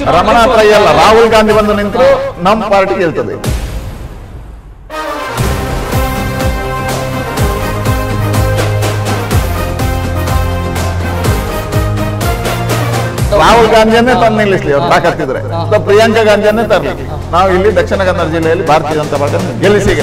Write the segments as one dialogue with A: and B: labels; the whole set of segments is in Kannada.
A: ರಮಣ ಟ್ರೈ ಅಲ್ಲ, ರಾಹುಲ್ ಗಾಂಧಿ ಬಂದು ನಿಂತರು ನಮ್ಮ ಪಾರ್ಟಿ ಗೆಲ್ತದೆ. ರಾಹುಲ್ ಗಾಂಧಿಯನ್ನೇ ತಂದು ನಿಲ್ಲಿಸ್ಲಿ ಅವ್ರು ತಾಕತ್ತಿದ್ರೆ, ಪ್ರಿಯಾಂಕಾ ಗಾಂಧಿಯನ್ನೇ ತರಲಿ. ನಾವು ಇಲ್ಲಿ ದಕ್ಷಿಣ ಕನ್ನಡ ಜಿಲ್ಲೆಯಲ್ಲಿ ಭಾರತೀಯ ಜನತಾ ಪಾರ್ಟಿ ಗೆಲ್ಲಿಸಿ.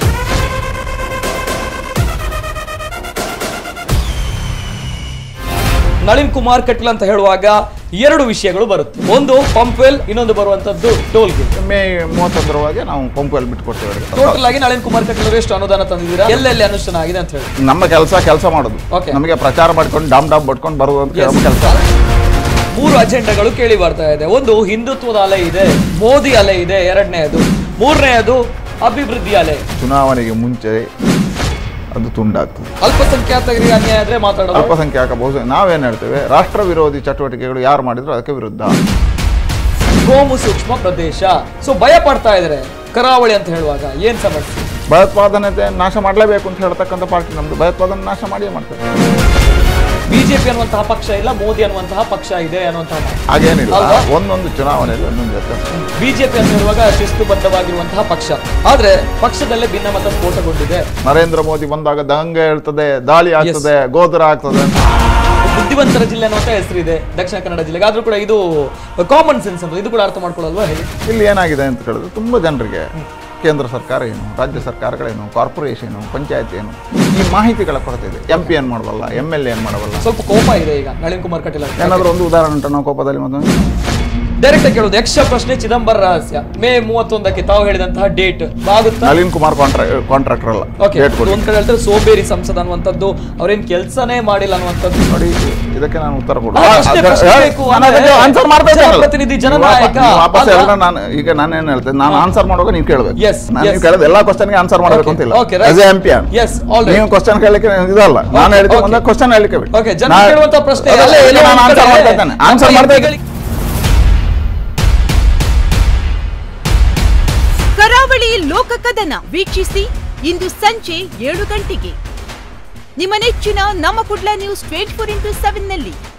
B: ನಳಿನ್ ಕುಮಾರ್ ಕಟೀಲ್ ಅಂತ ಹೇಳುವಾಗ ಎರಡು ವಿಷಯಗಳು ಬರುತ್ತೆ. ಒಂದು ಪಂಪ್ವೆಲ್, ಇನ್ನೊಂದು ಬರುವಂತದ್ದು ಟೋಲ್ ಗೇಟ್.
A: ಮೇ 31ರವರೆಗೆ ನಾವು ಪಂಪ್ವೆಲ್ ಬಿಟ್ಕೊಡ್ತೇವೆ.
B: ಟೋಟಲ್ ಆಗಿ ನಳಿನ್ ಕುಮಾರ್ ಕಟೀಲ್ ಅವರು ಎಷ್ಟು ಅನುದಾನ ತಂದಿದ್ದೀರಾ, ಎಲ್ಲೆಲ್ಲಿ ಅನುಷ್ಠಾನ ಆಗಿದೆ ಅಂತ ಹೇಳಿ?
A: ನಮ್ಮ ಕೆಲಸ ಮಾಡೋದು, ನಮಗೆ ಪ್ರಚಾರ ಮಾಡ್ಕೊಂಡು ಡಾಮ್ ಬಟ್ಕೊಂಡು ಬರುವಂತ ಕೆಲಸ.
B: 3 ಅಜೆಂಡಾಗಳು ಕೇಳಿ ಬರ್ತಾ ಇದೆ. ಒಂದು ಹಿಂದುತ್ವದ ಅಲೆ ಇದೆ, ಮೋದಿ ಅಲೆ ಇದೆ, ಎರಡನೇದು. ಮೂರನೆಯದು ಅಭಿವೃದ್ಧಿ ಅಲೆ.
A: ಚುನಾವಣೆಗೆ ಮುಂಚೆ ಅದು ತುಂಡಾಗ್ತದೆ.
B: ಅಲ್ಪಸಂಖ್ಯಾತರಿಗೆ ಅನ್ಯಾಯ ಆದ್ರೆ ಮಾತಾಡೋದು.
A: ಅಲ್ಪಸಂಖ್ಯಾತ ಬಹುಶಃ ನಾವೇನ್ ಹೇಳ್ತೇವೆ, ರಾಷ್ಟ್ರ ವಿರೋಧಿ ಚಟುವಟಿಕೆಗಳು ಯಾರು ಮಾಡಿದ್ರು ಅದಕ್ಕೆ ವಿರುದ್ಧ.
B: ಕೋಮು ಸೂಕ್ಷ್ಮ ಪ್ರದೇಶ. ಸೊ ಭಯ ಪಡ್ತಾ ಇದ್ರೆ ಕರಾವಳಿ ಅಂತ ಹೇಳುವಾಗ ಏನ್ ಸಮಸ್ಯೆ?
A: ಭಯೋತ್ಪಾದನೆ ನಾಶ ಮಾಡಲೇಬೇಕು ಅಂತ ಹೇಳ್ತಕ್ಕಂಥ ಪಾರ್ಟಿ ನಮ್ದು. ಭಯೋತ್ಪಾದನೆ ನಾಶ ಮಾಡಿಯೇ ಮಾಡ್ತಾರೆ.
B: ಬಿಜೆಪಿ ಅನ್ನುವಂತಹ ಪಕ್ಷ ಇಲ್ಲ, ಮೋದಿ ಅನ್ನುವಂತಹ ಪಕ್ಷ ಇದೆ ಅನ್ನುವಂತಹ
A: ಹಾಗೇನಿಲ್ಲ. ಒಂದೊಂದು ಚುನಾವಣೆಯಲ್ಲಿ ಒಂದೊಂದು ವ್ಯತ್ಯಾಸ.
B: ಬಿಜೆಪಿ ಅಂತ ಹೇಳುವಾಗ ಶಿಸ್ತುಬದ್ಧವಾಗಿರುವಂತಹ ಪಕ್ಷ, ಆದ್ರೆ ಪಕ್ಷದಲ್ಲೇ ಭಿನ್ನಮತ ಸ್ಫೋಟಗೊಂಡಿದೆ.
A: ನರೇಂದ್ರ ಮೋದಿ ಬಂದಾಗ ದಂಗೆ ಹೇಳ್ತದೆ, ದಾಳಿ ಆಗ್ತದೆ, ಗೋಧರ ಆಗ್ತದೆ.
B: ಬುದ್ಧಿವಂತರ ಜಿಲ್ಲೆ ಅನ್ನುವಂತ ಹೆಸರಿದೆ ದಕ್ಷಿಣ ಕನ್ನಡ ಜಿಲ್ಲೆಗೆ. ಆದ್ರೂ ಕೂಡ ಇದು ಕಾಮನ್ ಸೆನ್ಸ್ ಅಂತ, ಇದು ಕೂಡ ಅರ್ಥ ಮಾಡ್ಕೊಳ್ಳಲ್ವಾ ಹೇಳಿ?
A: ಇಲ್ಲಿ ಏನಾಗಿದೆ ಅಂತ ಹೇಳಿದ್ರೆ, ತುಂಬಾ ಜನರಿಗೆ ಕೇಂದ್ರ ಸರ್ಕಾರ ಏನು, ರಾಜ್ಯ ಸರ್ಕಾರಗಳೇನು, ಕಾರ್ಪೊರೇಷನ್, ಪಂಚಾಯತ್ ಏನು, ಈ ಮಾಹಿತಿಗಳ ಕೊರತೆ ಇದೆ. MP ಏನ್ ಮಾಡಬಲ್ಲ, MLA ಏನ್ ಮಾಡಬಲ್ಲ.
B: ಸ್ವಲ್ಪ ಕೋಪ ಇದೆ ಈಗ ನಳಿನ್ ಕುಮಾರ್ ಕಟೀಲ್.
A: ಏನಾದ್ರು ಒಂದು ಉದಾಹರಣೆ ಉಂಟು ನಾವು ಕೋಪದಲ್ಲಿ?
B: ಡೈರೆಕ್ಟ್ ಕೇಳೋದು, ಯಕ್ಷ ಪ್ರಶ್ನೆ ಚಿದಂಬರ ರಹಸ್ಯ ಮೇ 31ಕ್ಕೆ ತಾವು ಹೇಳಿದಂತಹ ಡೇಟ್ ಆಗುತ್ತಾ?
A: ನಳಿನ್ ಕುಮಾರ್ ಕಾಂಟ್ರಾಕ್ಟರ್ ಅಲ್ಲ.
B: ಒಂದ್ ಕಡೆ ಹೇಳ್ತಾರೆ ಸೋಬೇರಿ ಸಂಸದ ಅನ್ನುವಂಥದ್ದು, ಅವ್ರೇನ್ ಕೆಲಸನೇ ಮಾಡಿಲ್ಲ ಅನ್ನುವಂಥದ್ದು.
A: ನೋಡಿ, ಇದಕ್ಕೆ ನಾನು ಉತ್ತರ
B: ಪ್ರತಿನಿಧಿ ಜನನಾಯಕ.
A: ಈಗ ನಾನೇನ್ ಹೇಳ್ತೇನೆ, ನಾನು ಆನ್ಸರ್ ಮಾಡುವಾಗ ನೀವು ಕೇಳಬೇಕು. ನಾನು ಕೇಳೋದು ಎಲ್ಲಾ ಕ್ವಶನ್ಗೆ ಆನ್ಸರ್ ಮಾಡಬೇಕು ಅಂತಿಲ್ಲ. MP ನೀವು ಕ್ವಶನ್ ಕೇಳಲಿಕ್ಕೆ ಇದಲ್ಲ, ನಾನು ಹೇಳಿದ್ರೆ ಒಂದು ಕ್ವಶನ್ ಹೇಳಲಿಕ್ಕೆ ಆನ್ಸರ್ ಮಾಡ್ತಾ.
C: ಕರಾವಳಿ ಲೋಕ ಕದನ ವೀಕ್ಷಿಸಿ ಇಂದು ಸಂಜೆ 7 ಗಂಟೆಗೆ ನಿಮ್ಮ ನೆಚ್ಚಿನ ನಮ್ಮ ಕುಡ್ಲ ನ್ಯೂಸ್ 24x7 ನಲ್ಲಿ.